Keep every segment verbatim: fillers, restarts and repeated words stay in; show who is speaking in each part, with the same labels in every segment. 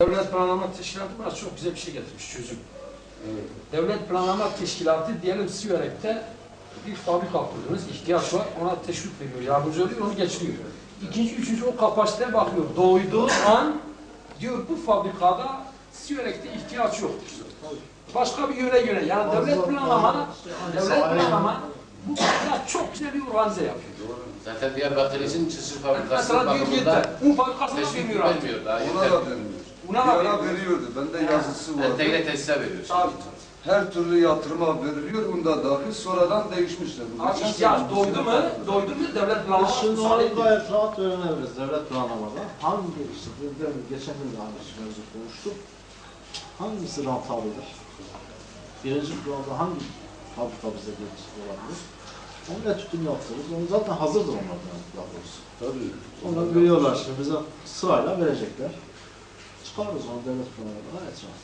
Speaker 1: Devlet Planlama Teşkilatı bana çok güzel bir şey getirmiş, çözüm. Evet. Devlet Planlama Teşkilatı diyelim Siverek'te bir fabrika kurdunuz, ihtiyaç var, ona teşvik veriyor, yardımcı oluyor, onu geçiriyor. İkinci, üçüncü o kapasiteye bakıyor. Doğduğu an diyor bu fabrikada Siverek'te ihtiyaç yok. Başka bir yöne göre, yani devlet planlama, devlet planlama bu kadar çok güzel bir organize yapıyor.
Speaker 2: Zaten Diyarbakır için çısır fabrikası
Speaker 1: mesela diyor yeter, un fabrikasına
Speaker 2: vermiyor
Speaker 1: vermiyor.
Speaker 2: Daha
Speaker 3: Ona da vermiyor.
Speaker 1: Una da veriyor.
Speaker 3: veriyordu, bende yazısı var.
Speaker 2: Entegre tesise veriyor.
Speaker 1: Tabii.
Speaker 3: Her türlü yatırıma veriliyor, unda dahil sonradan değişmişler.
Speaker 1: Ama ihtiyaç doydu mu, doydu mu devlet planlaması.
Speaker 4: Şimdi onu gayet rahat öğrenebiliriz devlet planlamada. Hangi işte, geçen gün de aynı mevzu konuştuk. Hangisi rantablıdır? Birinci planda hangi fabrika bize gelişti olabilir? Onun etütünü yaptırırız. Onu zaten hazırdır onlardan daha doğrusu.
Speaker 3: Tabii.
Speaker 4: Onları biliyorlar şimdi bize sırayla verecekler. Çıkarırız onu devlet planlamada gayet rahat.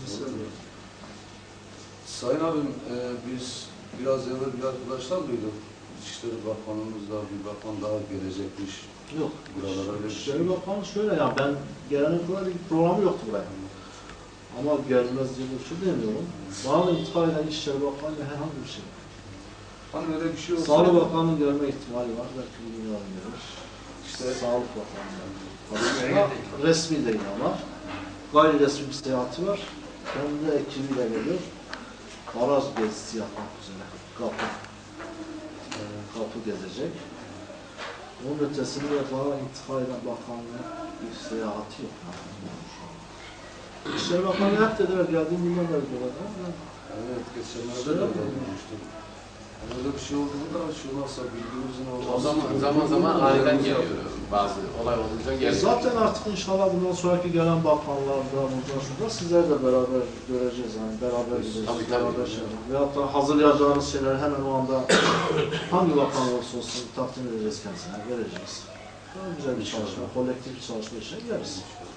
Speaker 3: Sayın abim, e, biz biraz evvel bir arkadaşlar duyduk. İçişleri Bakanımızla bir bakan daha gelecekmiş.
Speaker 4: Yok.
Speaker 3: Buralara öyle bir şey.
Speaker 4: İçişleri Bakanı şöyle ya, ben gelene kadar bir programı yoktu buraya. Ama gelmez diye bir şey demiyorum. Bana da intikal eden İçişleri Bakanı'yla herhangi bir şey.
Speaker 3: Hani öyle bir şey olsa...
Speaker 4: Sağlık Bakanı'nın gelme ihtimali var. Belki bir yarın gelir. İşte Sağlık Bakanı'nın resmi değil ama gayri resmi bir seyahati var. Kendi ekibiyle geliyor. Baraj gezisi yapmak üzere. Kapı. E, kapı gezecek. Onun ötesinde bana intikal eden bakanlığın bir seyahati yok. İçişleri Bakanı hep dediler, geldiğim günden beri dolayı.
Speaker 3: Evet, geçenlerde de olmuştu. Öyle bir şey olduğunda şu nasıl bildiğimizin olması...
Speaker 2: O zaman zaman zaman aniden geliyor bazı olay olunca geliyor.
Speaker 4: Zaten artık inşallah bundan sonraki gelen bakanlarda, bundan sonra sizler de beraber göreceğiz yani beraber gideceğiz.
Speaker 2: Tabii tabii.
Speaker 4: Şey. Veyahut da hazırlayacağınız şeyleri hemen o anda hangi bakan olursa olsun takdim edeceğiz kendisine, vereceğiz. Daha güzel bir çalışma, kolektif bir çalışma için geliriz.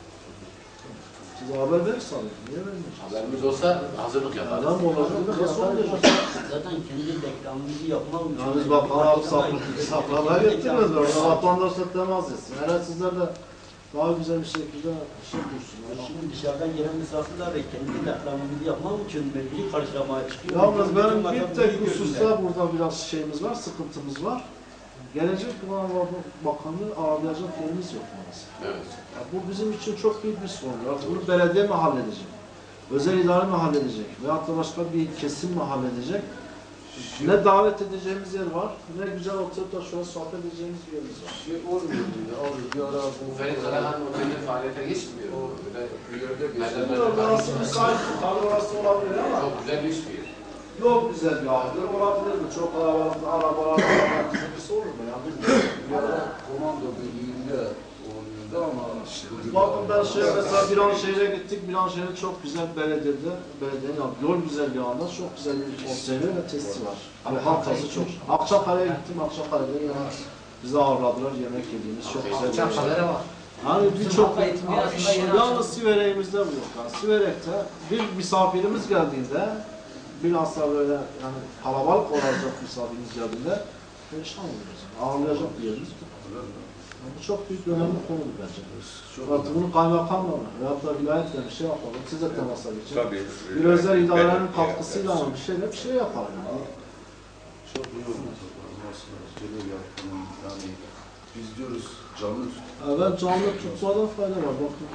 Speaker 4: Size haber verirse alın, niye vermiyorsunuz?
Speaker 2: Haberimiz olsa hazırlık yaparız.
Speaker 4: Adam olacak, nasıl olacak?
Speaker 5: Zaten kendi reklamımızı yapmak için.
Speaker 4: Yani biz bakanı alıp saklamaya getirmez. Orada vatandaşla temas etsin. Herhalde sizler de daha güzel bir şekilde şey kursunlar.
Speaker 5: Şimdi dışarıdan gelen misafirler de kendi reklamımızı yapmak için belki karşılamaya çıkıyor.
Speaker 4: Yalnız benim bir tek hususta burada biraz şeyimiz var, sıkıntımız var. Gelecek olan bakanlığı ağırlayacak yerimiz yok maalesef.
Speaker 2: Evet.
Speaker 4: Yani bu bizim için çok büyük bir sorun. Artık bunu belediye mi halledecek? Özel idare mi halledecek? Veyahut da başka bir kesim mi halledecek? Ne davet edeceğimiz yer var, ne güzel oturup da şöyle sohbet edeceğimiz bir yerimiz var.
Speaker 3: Şey olmuyor ya, abi bir ara bu...
Speaker 2: Ferit Zalahan Oteli'nin faaliyete geçmiyor.
Speaker 3: O
Speaker 2: Öyle
Speaker 3: bir yerde
Speaker 2: Nereden
Speaker 3: geçiyor.
Speaker 2: ben-
Speaker 4: Orası müsait, tabii orası olabilir ama
Speaker 2: çok güzel bir iş bir yer.
Speaker 4: yok güzel bir ahır olabilir mi? Çok arabalar, arabalar, birisi olur mu ya? Bilmiyorum.
Speaker 3: Bir ara komando birliğinde oluyordu ama...
Speaker 4: Bakın ben şey mesela bir an şehre gittik, bir an şehre çok güzel belediyede, belediyenin yani yol güzergahında çok güzel bir oteli ve testi var. Lokantası çok. Akçakale'ye gittim, Akçakale'de yani bizi ağırladılar, yemek yediğimiz çok güzel bir
Speaker 1: Akçakale'de var.
Speaker 4: Yani birçok,
Speaker 1: Yalnız
Speaker 4: yalnız Siverek'imizde bu yok. Yani Siverek'te bir misafirimiz geldiğinde, bilhassa böyle yani kalabalık olacak misafirimiz geldiğinde perişan oluyoruz. Ağırlayacak bir yerimiz yok. Yani bu çok büyük önemli konu bence. Artık bunu kaymakamla mı veyahut da vilayetle bir şey yapalım. Siz de temasa geçin. Bir özel idarenin katkısıyla mı bir şeyle bir şey yapalım. Yani.
Speaker 3: Çok iyi olmaz. Nasıl yapalım yani biz diyoruz canlı tut.
Speaker 4: Evet canlı tutmadan fayda var. Bakın.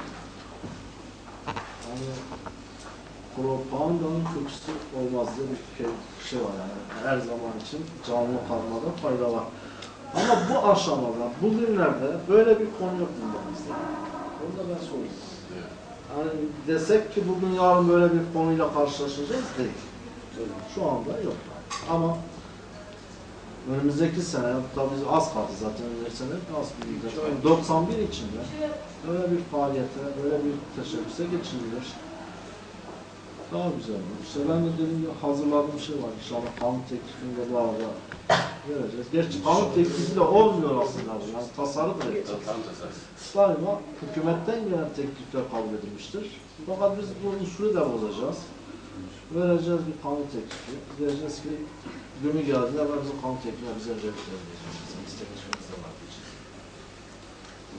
Speaker 4: Yani propagandanın kötüsü olmaz diye bir şey var yani. Her zaman için canlı kalmada fayda var. Ama bu aşamada, bugünlerde böyle bir konu yok gündemimizde. Onu da ben soruyorum. Yani desek ki bugün yarın böyle bir konuyla karşılaşacağız değil. Şu anda yok. Ama önümüzdeki sene, tabii az kaldı zaten önümüzdeki sene az bir müddet. doksan bir içinde böyle bir faaliyete, böyle bir teşebbüse geçirilir. Daha güzel olur. İşte ben de dediğim gibi hazırladığım şey var. İnşallah kanun teklifini de bu arada vereceğiz. Gerçi kanun teklifi de olmuyor aslında. Yani tasarıdır. Daima hükümetten gelen teklifler kabul edilmiştir. Fakat biz bu usulü de bozacağız. Vereceğiz bir kanun teklifi. Diyeceğiz ki günü geldiğinde ben bizim kanun teklifine bize verecek diyeceğiz. Bizim isteklerimiz de var diyeceğiz.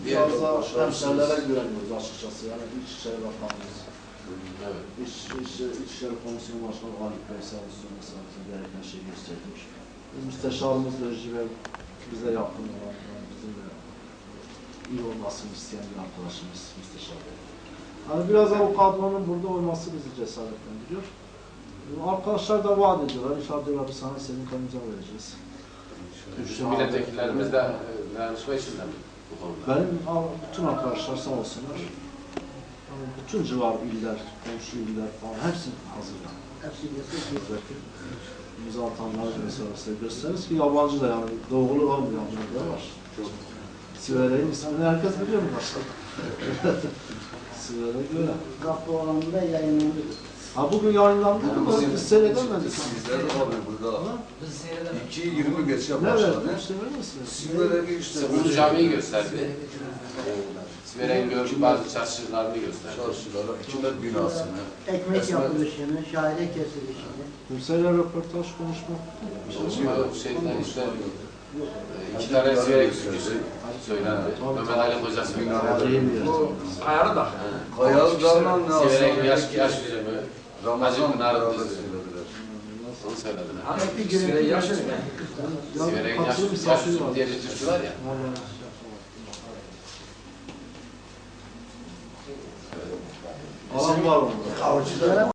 Speaker 3: Diğer
Speaker 4: biraz da
Speaker 3: başarısız.
Speaker 4: hemşerilere güveniyoruz açıkçası. Yani İçişleri Bakanımız,
Speaker 2: Evet.
Speaker 4: İç, İç, İçişleri Komisyonu Başkanı Haluk Bey sağ olsun mesela bize gereken şeyi göstermiş. Müsteşarımız Rejci Bey bize yakın olan, yani bizimle iyi olmasını isteyen bir arkadaşımız Müsteşar Bey. Yani biraz da o kadronun burada olması bizi cesaretlendiriyor. Arkadaşlar da vaat ediyorlar. İnşallah diyorlar bir sana senin kanıca vereceğiz.
Speaker 2: Bütün milletvekillerimiz de e, dayanışma içinde mi bu konuda?
Speaker 4: Benim bütün arkadaşlar sağ olsunlar. Yani bütün civar iller, komşu iller falan hepsi hazır. Yani.
Speaker 5: Hepsi yazıyor.
Speaker 4: Buradaki imza atanlar mesela size gösteririz ki yabancı da yani doğulu olmayanlar da var. Sivere'nin ismini herkes biliyor mu başkan? Sivere göre.
Speaker 5: Kapı olanında yayınlandı.
Speaker 4: Ha bugün yayınlandı mı? Biz seyredemedik.
Speaker 3: Sizler abi burada
Speaker 4: Ha?
Speaker 3: iki yirmi geçe
Speaker 4: Ne
Speaker 3: başladı.
Speaker 4: verdi? İşte verir misiniz?
Speaker 3: Sivere'yi işte
Speaker 2: Ulu Camii'yi gösterdi. Siverek'in gördüğü bazı çarşılarını gösterdi.
Speaker 3: çarşılara, hükümet binasını.
Speaker 5: Ekmek
Speaker 3: Esmer-
Speaker 5: yapılışını, şahide kesilişini.
Speaker 4: Kimseyle röportaj konuşma.
Speaker 2: O şeyden işte e, iki tane Siverek türküsü söylendi. Mehmet Ali Hoca söyledi.
Speaker 4: Tarihi bir yer.
Speaker 1: Ayarı da.
Speaker 3: Kayalı Dağı'nın ne
Speaker 2: Siverek'in yaş,
Speaker 3: aslında?
Speaker 2: yaş yüzümü, Hacı
Speaker 3: Ramazan
Speaker 2: Pınar'ın
Speaker 3: beraber
Speaker 2: düzü.
Speaker 3: söylediler.
Speaker 2: Onu söylediler.
Speaker 5: Ekmek
Speaker 1: Süre
Speaker 5: yönetimi
Speaker 1: yaş-
Speaker 5: yaşıyor.
Speaker 2: Siverek'in yaş,
Speaker 4: Katılım
Speaker 2: yaş
Speaker 4: misafiri
Speaker 2: yüzümü
Speaker 4: var.
Speaker 2: diye bir türkü var ya.
Speaker 4: Alan var onda.
Speaker 5: Avcılara